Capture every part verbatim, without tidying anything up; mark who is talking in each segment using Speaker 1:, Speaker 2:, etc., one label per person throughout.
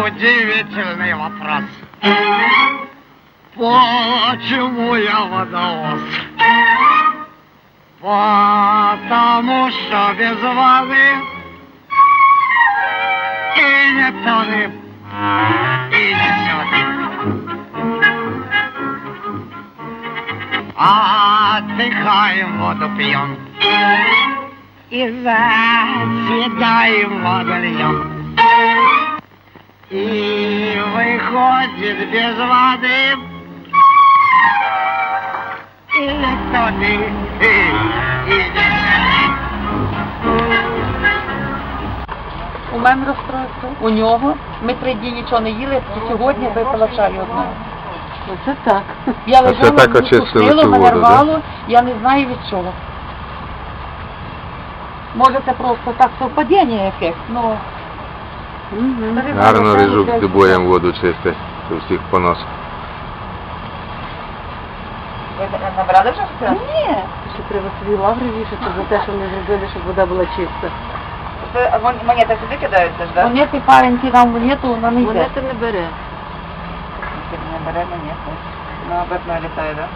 Speaker 1: удивительный вопрос. Почему я водовоз? Потому что без воды и не тонет, и не сёт. Отдыхаем, воду пьем и заседаем, воду льем. И выходит без воды и не тонет, и, и не сёт.
Speaker 2: У мене розстройство, у нього. Ми три дні нічого не їли, і сьогодні випила чаю одного.
Speaker 3: Це так.
Speaker 2: Я
Speaker 4: А це
Speaker 2: лежала,
Speaker 4: так
Speaker 2: мені
Speaker 4: очистили
Speaker 2: пустило,
Speaker 4: цю
Speaker 2: мене
Speaker 4: воду,
Speaker 2: рвало, я не знаю від чого. Може це просто так совпадіння ефект, ну...
Speaker 3: Угу.
Speaker 4: Гарно рижук з дебоєм воду чистить, у всіх понос.
Speaker 2: Ви набрали вже все?
Speaker 3: Ні. Ще треба собі лаври вішати за те, що вони зробили, щоб вода була чиста.
Speaker 2: Це монети сюди кидаються ж, так? Монети парень кидав монету, вона не йде.
Speaker 3: Монети не бере.
Speaker 2: Не бере монету. На обратно літає, так?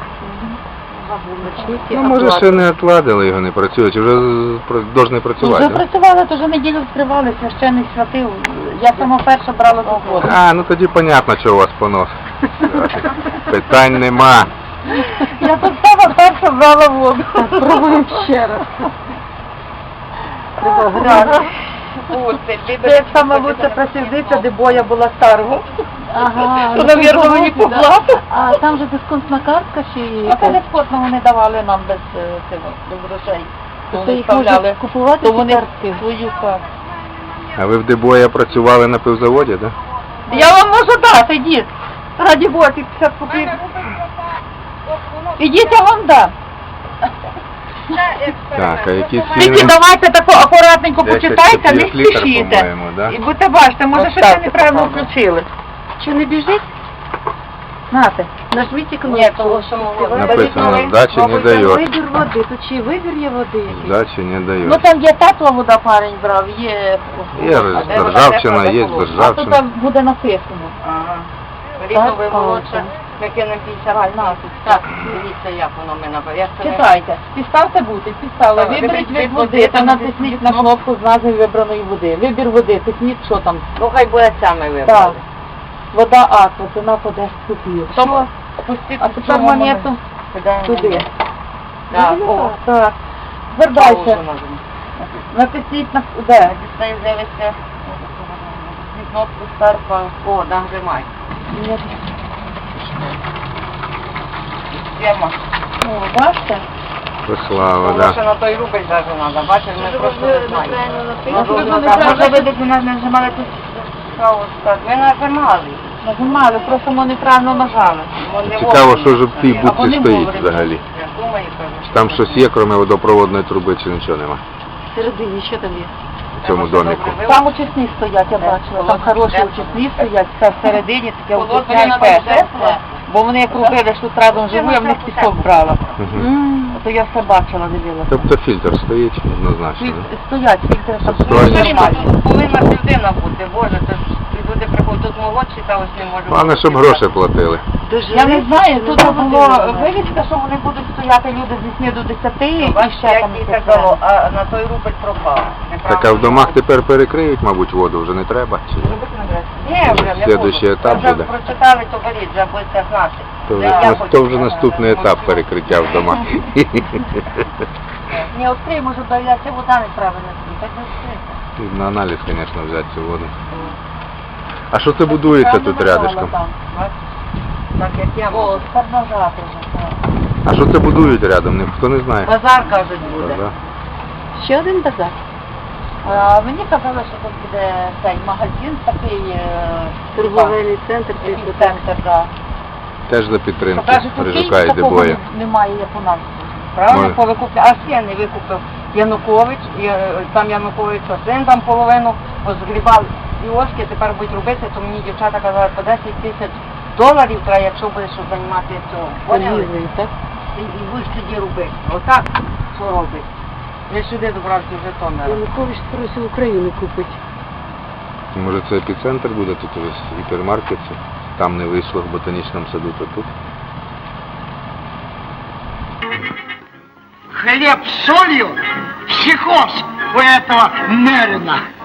Speaker 4: Ну, може, ще не отладили його, не працює, чи вже повинні працювати,
Speaker 2: Вже
Speaker 4: да?
Speaker 2: працювали, то вже неділю вскривали, священник святив. Я сама перша брала тут воду.
Speaker 4: А, ну тоді понятно, що у вас понос. Питань нема.
Speaker 2: Я тут сама перша брала воду.
Speaker 3: Пробуємо ще раз. Треба грати.
Speaker 2: Це як саме лучше просівниця, де боя була старого.
Speaker 3: Ага.
Speaker 2: То, навірно, мені поплатить.
Speaker 3: А там же дисконтна картка чи...
Speaker 2: А це дисконтного не давали нам без е, цього, без грошей. То
Speaker 3: То
Speaker 2: вони
Speaker 3: їх можна
Speaker 2: вставляли.
Speaker 3: купувати
Speaker 2: То
Speaker 3: ці
Speaker 2: вони
Speaker 3: картки?
Speaker 2: свою картку.
Speaker 4: А ви в Дебоя працювали на пивзаводі, так? Да?
Speaker 2: Я вам можу дати, дід. Раді Бога, ті п'ятдесят копійок. Ідіть, я вам дам.
Speaker 4: Так, а які
Speaker 2: Тільки
Speaker 4: ціни?
Speaker 2: давайте тако акуратненько
Speaker 4: десять
Speaker 2: почитайте, не
Speaker 4: копійок літр,
Speaker 2: спішіть.
Speaker 4: по-моєму, да?
Speaker 2: І будете бачите, може щось ви неправильно включили.
Speaker 3: Що, не біжить?
Speaker 2: Нате.
Speaker 3: Нажміть іконку.
Speaker 2: Ні, того, що ми
Speaker 4: Написано, здачі не дають.
Speaker 3: Вибір води. Тут чи вибір є води якийсь?
Speaker 4: Здачі не
Speaker 2: Ну
Speaker 4: дають.
Speaker 2: там є тепла вода, парень брав, є...
Speaker 4: Є державчина, є
Speaker 2: А тут
Speaker 4: державчина.
Speaker 2: там буде написано.
Speaker 5: Ага.
Speaker 2: Так,
Speaker 5: Рівнове
Speaker 2: а,
Speaker 5: молодше. Ми кинемо п'ятдесят на тут. Так, дивіться, як воно ми наберемо.
Speaker 2: Читайте. Підставте бути, підставили.
Speaker 5: Так,
Speaker 2: Виберіть
Speaker 5: виберіть
Speaker 2: від
Speaker 5: води,
Speaker 2: води, там
Speaker 5: там
Speaker 2: натисніть на кнопку з назви вибраної води. Вибір води, тисніть, що там.
Speaker 5: Ну, хай буде ця ми
Speaker 2: Так.
Speaker 5: вибрали.
Speaker 2: Вода аква, ціна по десять копійок.
Speaker 5: Тому пустіть
Speaker 2: А тепер монету туди.
Speaker 5: Так,
Speaker 2: О,
Speaker 5: о,
Speaker 2: так. Тепер
Speaker 5: паузу
Speaker 2: далі.
Speaker 5: нажмемо.
Speaker 2: Натисніть на... Де?
Speaker 5: Дістає, дивиться. Кнопку старт, о, нажимай. Система.
Speaker 2: Ну, бачите?
Speaker 4: Слава,
Speaker 5: Тому що
Speaker 4: да.
Speaker 5: на той рубль навіть треба, бачиш, ми просто не знаємо.
Speaker 2: Можливо,
Speaker 5: Може,
Speaker 2: неправильно
Speaker 5: може ви десь не нажимали тут паузу старт. Ви нажимали.
Speaker 2: Нажимали, просто ми неправильно нажали.
Speaker 5: Вони
Speaker 4: Цікаво,
Speaker 5: вовремя.
Speaker 4: що ж в тій
Speaker 2: А
Speaker 4: будці
Speaker 2: вони
Speaker 4: стоїть
Speaker 2: вовремя.
Speaker 4: взагалі.
Speaker 5: Я думаю, кажу.
Speaker 4: Чи там щось є, крім водопроводної труби, чи нічого нема
Speaker 3: Всередині, що там є?
Speaker 4: в цьому доміку?
Speaker 2: Там очисні стоять, я бачила. Там хороші очисні стоять, це всередині таке
Speaker 5: Холодне
Speaker 2: очисне
Speaker 5: на
Speaker 2: перше.
Speaker 5: тепле.
Speaker 2: Бо вони як робили, що разом живу, я в них пісок брала.
Speaker 4: Угу.
Speaker 2: То я все бачила, дивилася.
Speaker 4: Тобто фільтр стоїть однозначно,
Speaker 2: Філь-
Speaker 4: да?
Speaker 2: Стоять, фільтри там
Speaker 4: Це
Speaker 2: стоять
Speaker 4: справді.
Speaker 2: нормально.
Speaker 5: Тут повинна людина бути, боже, то ж люди приходять, тут молодші та ось не можуть.
Speaker 4: Головне, щоб гроші платили.
Speaker 2: Я не знаю, тут було вивіска, що вони будуть стояти люди з вісьми до десяти і
Speaker 5: Бачите,
Speaker 2: ще
Speaker 5: як
Speaker 2: там
Speaker 5: їй
Speaker 2: таке.
Speaker 5: казало, а на той рубль пропав.
Speaker 4: Так, а в домах тепер перекриють, мабуть, воду, вже не треба? Чи?
Speaker 5: Ні, вже не
Speaker 4: Слідуючий
Speaker 5: буду.
Speaker 4: етап
Speaker 5: Вже
Speaker 4: буде.
Speaker 5: прочитали, то беріть, вже будете знати.
Speaker 4: То вже,
Speaker 5: Я
Speaker 4: нас-
Speaker 5: хочу
Speaker 4: то вже
Speaker 5: знати.
Speaker 4: наступний етап перекриття в домах.
Speaker 2: Не відкрий, може, дається вода неправильно. Так не відкрийте.
Speaker 4: На аналіз, звісно, взяти цю воду. А що це будується
Speaker 2: Там
Speaker 4: тут
Speaker 2: не нажала
Speaker 4: рядышком?
Speaker 2: там.
Speaker 5: Так як я
Speaker 2: О,
Speaker 5: можу.
Speaker 2: тепер нажати вже. так.
Speaker 4: А що це будують рядом? Ніхто не знає.
Speaker 5: Базар, кажуть, буде.
Speaker 4: Да?
Speaker 3: Ще один базар.
Speaker 2: А, мені казали, що тут буде цей магазин такий е,
Speaker 3: Торговельний центр.
Speaker 2: такий
Speaker 3: десь
Speaker 2: центр, да.
Speaker 4: Теж за підтримки
Speaker 2: Покажуть, у
Speaker 4: Рижука
Speaker 2: Києві
Speaker 4: і
Speaker 2: такого
Speaker 4: Дебоя.
Speaker 2: немає, як у нас. Правильно,
Speaker 4: Може.
Speaker 2: повикупля. Аж я не викупив Янукович, і, е, там Янукович один там половину позгрібав іошки, тепер будуть робити, то мені дівчата казали, по десять тисяч доларів треба, якщо будеш щоб займати цього. Поняли?
Speaker 3: Торгівлею, так?
Speaker 2: І, і будеш тоді робити. Отак, що робить. Я сюди добрався вже Житомира.
Speaker 3: Янукович просив Україну купити.
Speaker 4: Може це епіцентр буде, тут ось гіпермаркет, там не вийшло в ботанічному саду, то тут.
Speaker 1: Хлеб с солью? Психоз у этого Мерина.